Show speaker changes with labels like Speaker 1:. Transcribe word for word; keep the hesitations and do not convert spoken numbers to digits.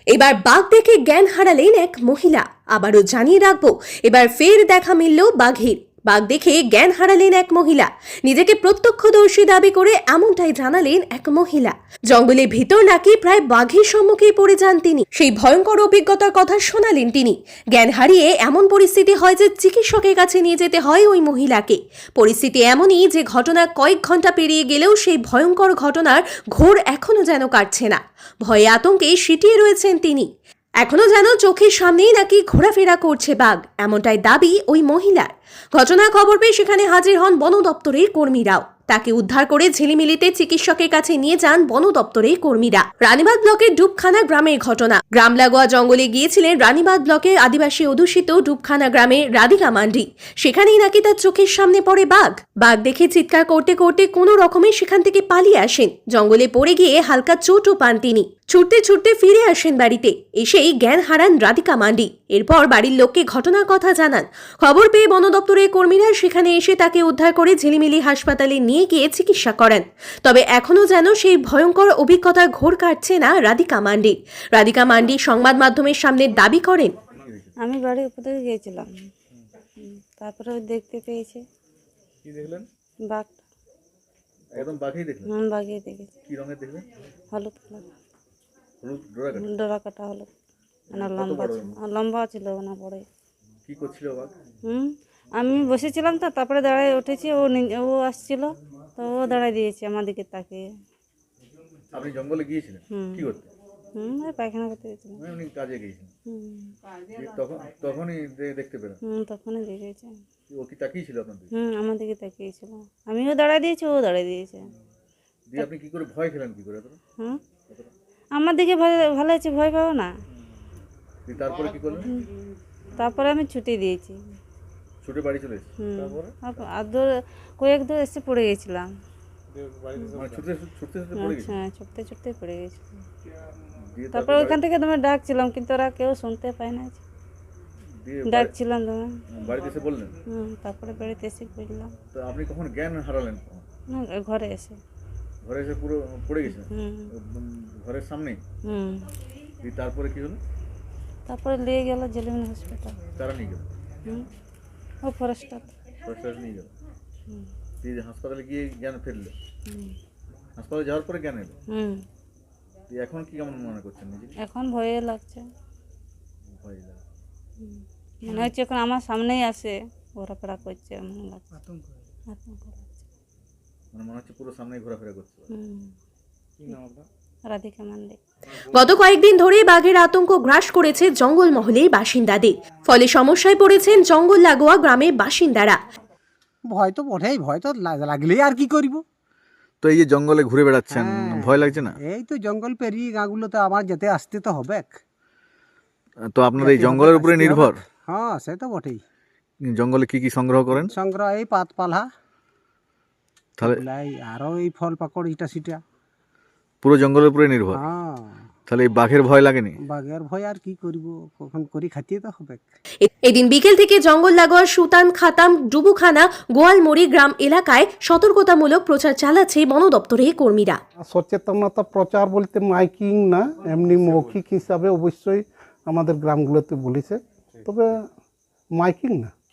Speaker 1: এবার বাঘ দেখে জ্ঞান হারালেন এক মহিলা। আবারও জানিয়ে রাখবো, এবার ফের দেখা মিলল বাঘের। বাঘ দেখে জ্ঞান হারালেন এক মহিলা। নিজেকে প্রত্যক্ষদর্শী দাবি করে এমনটাই জানালেন এক মহিলা। জঙ্গলের ভিতর নাকি প্রায় বাঘের সম্মুখে পড়ে যান তিনি। সেই ভয়ঙ্কর অভিজ্ঞতার কথা শোনালেন তিনি। জ্ঞান হারিয়ে এমন পরিস্থিতি হয় যে চিকিৎসকের কাছে নিয়ে যেতে হয় ওই মহিলাকে। পরিস্থিতি এমনই যে ঘটনা কয়েক ঘন্টা পেরিয়ে গেলেও সেই ভয়ঙ্কর ঘটনার ঘোর এখনো যেন কাটছে না। ভয়ে আতঙ্কে সিটিয়ে রয়েছেন তিনি। এখনো যেন চোখের সামনেই নাকি ঘোরাফেরা করছে বাঘ, এমনটাই দাবি ওই মহিলার। ঘটনার খবর পেয়ে সেখানে হাজির হন বন দপ্তরের কর্মীরাও। তাকে উদ্ধার করে ঝিলিমিলিতে চিকিৎসকের কাছে নিয়ে যান বন দপ্তরের কর্মীরা। রানীবাঁধ ব্লকের ডুবখানা গ্রামের ঘটনা। গ্রাম লাগোয়া জঙ্গলে গিয়েছিলেন রানীবাঁধ ব্লকের আদিবাসী অধ্যুষিত ডুবখানা গ্রামের রাধিকা মান্ডি। সেখানেই নাকি তার চোখের সামনে পড়ে বাঘ। বাঘ দেখে চিৎকার করতে করতে কোনো রকমে সেখান থেকে পালিয়ে আসেন। জঙ্গলে পড়ে গিয়ে হালকা চোটও পান তিনি। ছুটতে ছুটতে ফিরে আসেন বাড়িতে। এসেই জ্ঞান হারান রাধিকা মান্ডি। এরপর বাড়ির লোককে ঘটনার কথা জানান। খবর পেয়ে বন দপ্তরের কর্মীরা সেখানে এসে তাকে উদ্ধার করে ঝিলিমিলি হাসপাতালে নিয়ে গিয়ে চিকিৎসা করেন। তবে এখনো যেন সেই ভয়ঙ্কর অভিজ্ঞতার ঘোর কাটছে না রাধিকা মান্ডি। রাধিকা মান্ডি সংবাদ মাধ্যমের সামনে দাবি করেন,
Speaker 2: আমি বাড়ির উপর থেকে গিয়েছিলাম, তারপরে দেখতে পেয়েছে।
Speaker 3: কি দেখলেন?
Speaker 2: বাঘ।
Speaker 3: একদম বাঘই দেখলেন?
Speaker 2: হুম, বাঘই দেখেছি।
Speaker 3: কি রঙের দেখলেন?
Speaker 2: হলুদ কালার।
Speaker 3: হলুদ ডোরা কাটা?
Speaker 2: ডোরা কাটা হলুদ, মানে লম্বা ছিল। লম্বা ছিল না বড়।
Speaker 3: কি করছিল বাঘ?
Speaker 2: হুম, আমি বসেছিলাম তো, তারপরে দাঁড়ায় উঠেছি। ও ও আসছিল, তো ও দাঁড়ায় দিয়েছে আমার দিকে তাকিয়ে।
Speaker 3: আপনি জঙ্গলে গিয়েছিলেন কি করতে?
Speaker 2: হুম, পায়খানা করতে গেছিলাম।
Speaker 3: উনি কাজে গিয়েছিলেন?
Speaker 2: হুম,
Speaker 3: তখন তখনই দেখতে পেলেন?
Speaker 2: হুম, তখনই দেখেছে।
Speaker 3: ও কি তাকিয়েছিল আপনার দিকে?
Speaker 2: হুম, আমার দিকে তাকিয়েছিল। আমিও দাঁড়ায় দিয়েছি, ও দাঁড়ায় দিয়েছে।
Speaker 3: দিয়ে আপনি কি করে ভয় খেলেন? কি করে?
Speaker 2: হুম, আমার দিকে ভালো ভালো আছে, ভয় পাবো না।
Speaker 3: তারপরে কি করলেন?
Speaker 2: তারপরে আমি ছুটি দিয়েছি।
Speaker 3: ছুটে বাড়ি চলে এসেছি। তারপরে
Speaker 2: আর দূর কয়েক দূর এসে পড়ে গেছিলাম।
Speaker 3: মানে ছুটতে ছুটতে ছুটতে পড়ে গেছি?
Speaker 2: হ্যাঁ, ছুটতে ছুটতে পড়ে গেছিলাম। তারপরে ওইখান থেকে তোমার ডাকছিলাম, কিন্তু ওরা কেউ শুনতে পায় না। ডাকছিলাম তোমার,
Speaker 3: বাড়িতে এসে বললেন?
Speaker 2: হুম, তারপরে বাড়িতে এসে বুঝলাম।
Speaker 3: তো আপনি কখন জ্ঞান হারালেন?
Speaker 2: না, ঘরে এসে।
Speaker 3: ঘরে এসে পুরো পড়ে গেছেন?
Speaker 2: হুম,
Speaker 3: ঘরের সামনেই?
Speaker 2: হুম।
Speaker 3: তারপরে কি হলো?
Speaker 2: তারপরে নিয়ে গেল ঝিলিমিলি হসপিটাল।
Speaker 3: তারা নিয়ে গেল?
Speaker 2: হুম, ও ফরেস্টার।
Speaker 3: ফরেস্টার নিয়ে গেল?
Speaker 2: হুম,
Speaker 3: দিয়ে হাসপাতালে গিয়ে জ্ঞান ফিরলো?
Speaker 2: হুম,
Speaker 3: হাসপাতালে যাওয়ার পরে জ্ঞান এলো?
Speaker 2: হুম।
Speaker 3: দিয়ে এখন কি কেমন মনে করছেন নিজেকে?
Speaker 2: এখন ভয়ে লাগছে।
Speaker 3: ভয় লাগে?
Speaker 2: হুম, মনে হচ্ছে এখন আমার সামনেই আসে, ঘোরাফেরা করছে, মনে লাগছে। আতঙ্ক লাগছে।
Speaker 3: মানে মনে হচ্ছে পুরো সামনে ঘোরাফেরা করছে?
Speaker 2: হুম।
Speaker 3: কি নাম আপনার?
Speaker 2: রাধিকা মান্ডি।
Speaker 1: গত কয়েকদিন ধরে বাঘের আতঙ্ক গ্রাস করেছে জঙ্গলমহলের বাসিন্দাদের। ফলে সমস্যায় পড়েছেন জঙ্গল লাগোয়া গ্রামের বাসিন্দারা।
Speaker 4: ভয় তো বটেই, ভয় তো লাগলেই আর কি করব।
Speaker 3: তো এই যে জঙ্গলে ঘুরে বেড়াচ্ছেন, ভয় লাগছে না?
Speaker 4: এই তো জঙ্গল পেরিয়ে গাঁগুলোতে আমার যেতে আসতে তো হবে।
Speaker 3: তো আপনার এই জঙ্গলের উপরে নির্ভর?
Speaker 4: হ্যাঁ, সে তো বটেই।
Speaker 3: জঙ্গলে কি কি সংগ্রহ করেন?
Speaker 4: সংগ্রহ এই পাতপালা,
Speaker 3: তাহলে
Speaker 4: আরো এই ফল পাকড় ইটা সিটা।
Speaker 3: পুরো জঙ্গলের উপরে নির্ভর?
Speaker 4: হ্যাঁ।
Speaker 3: তাহলে এই বাঘের ভয় লাগেনি?
Speaker 4: বাঘের ভয় আর কি করব, কখন করি খাইতে তো হবে।
Speaker 1: এদিন বিকেল থেকে জঙ্গল লাগোয়া সুতান, খাতাম, ডুবুখানা, গোয়ালমুড়ি গ্রাম এলাকায় সতর্কতামূলক প্রচার চালাচ্ছে বন দপ্তরের কর্মীরা।
Speaker 5: সচেতনতা প্রচার বলতে মাইকিং না, এমনি মৌখিক হিসাবে অবশ্যই আমাদের গ্রামগুলোতে বলেছে, তবে মাইকিং না।